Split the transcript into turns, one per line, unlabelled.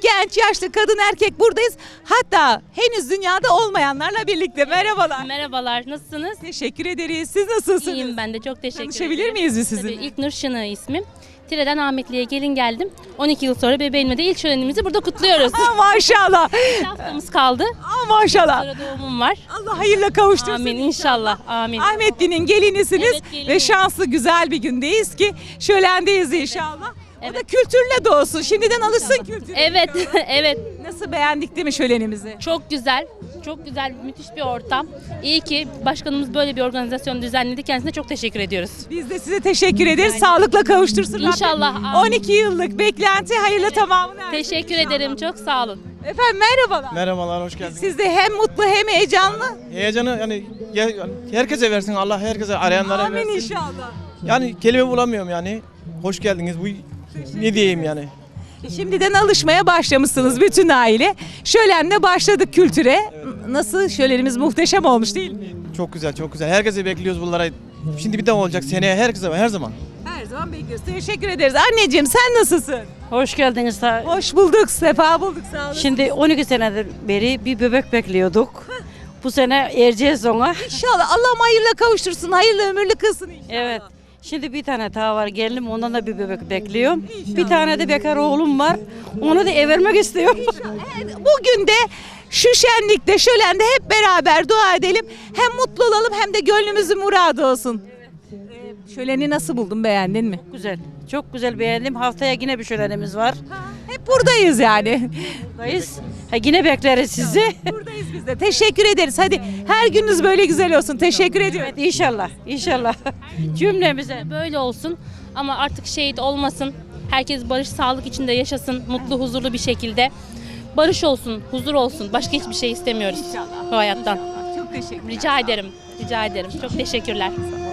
Genç, yaşlı, kadın, erkek buradayız. Hatta henüz dünyada olmayanlarla birlikte. Merhabalar.
Merhabalar, nasılsınız?
Teşekkür ederiz. Siz nasılsınız?
İyiyim ben de, çok teşekkür ederim.
Tanışabilir miyiz biz
Tabii,
sizinle?
İlknur Şını ismim. Tire'den Ahmetli'ye gelin geldim. 12 yıl sonra bebeğimle de ilk şölenimizi burada kutluyoruz.
Maşallah.
Bir haftamız kaldı.
Maşallah.
Sonra doğumum var.
Allah hayırla kavuştursun.
Amin inşallah. Amin.
Ahmetli'nin gelinisiniz
Evet, gelinim.
ve şanslı güzel bir gündeyiz ki şölendeyiz inşallah. O da
Evet.
kültürle doğsun. Şimdiden alışsın kültüre.
Evet, evet.
Nasıl, beğendik değil mi şölenimizi?
Çok güzel. Çok güzel, müthiş bir ortam. İyi ki başkanımız böyle bir organizasyon düzenledi. Kendisine çok teşekkür ediyoruz.
Biz de size teşekkür ederiz. Sağlıkla kavuştursun Rabbim.
İnşallah, amin.
12 yıllık beklenti hayırla tamamını ersin
Teşekkür
inşallah.
ederim. Çok sağ olun.
Efendim merhabalar.
Merhabalar, hoş geldiniz.
Siz de hem mutlu hem heyecanlı.
Heyecanı yani herkese versin, Allah herkese, arayanlara
Amin
versin.
inşallah.
Yani kelime bulamıyorum yani. Hoş geldiniz. Bu ne diyeyim yani?
Şimdiden alışmaya başlamışsınız bütün aile. Şölenle başladık kültüre. Nasıl, şölenimiz muhteşem olmuş değil mi?
Çok güzel, çok güzel. Herkese bekliyoruz bunlara. Şimdi bir daha olacak seneye, herkese, her zaman.
Her zaman bekliyoruz. Teşekkür ederiz. Anneciğim sen nasılsın?
Hoş geldiniz.
Hoş bulduk, sefa bulduk, sağ olun.
Şimdi 12 senedir beri bir bebek bekliyorduk. Bu sene ereceğiz ona.
İnşallah Allah'ım hayırla kavuştursun, hayırlı ömürlü kılsın inşallah.
Evet. Şimdi bir tane daha var gelinim, ondan da bir bebek bekliyorum. Bir tane de bekar oğlum var. Onu da vermek istiyorum.
Evet, bugün de şu şenlikte, şölende hep beraber dua edelim. Hem mutlu olalım hem de gönlümüzün muradı olsun. Şöleni nasıl buldun, beğendin mi?
Güzel. Çok güzel beğendim. Haftaya yine bir şölenimiz var.
Hep buradayız yani.
Buradayız. Yine bekleriz sizi.
Buradayız biz de. Teşekkür ederiz. Hadi her gününüz böyle güzel olsun. Teşekkür ediyorum.
Evet, inşallah. İnşallah. Cümlemize.
Böyle olsun ama artık şehit olmasın. Herkes barış, sağlık içinde yaşasın. Mutlu, huzurlu bir şekilde. Barış olsun, huzur olsun. Başka hiçbir şey istemiyoruz bu hayattan.
Çok teşekkür ederim.
Rica ederim. Rica ederim. Çok teşekkürler.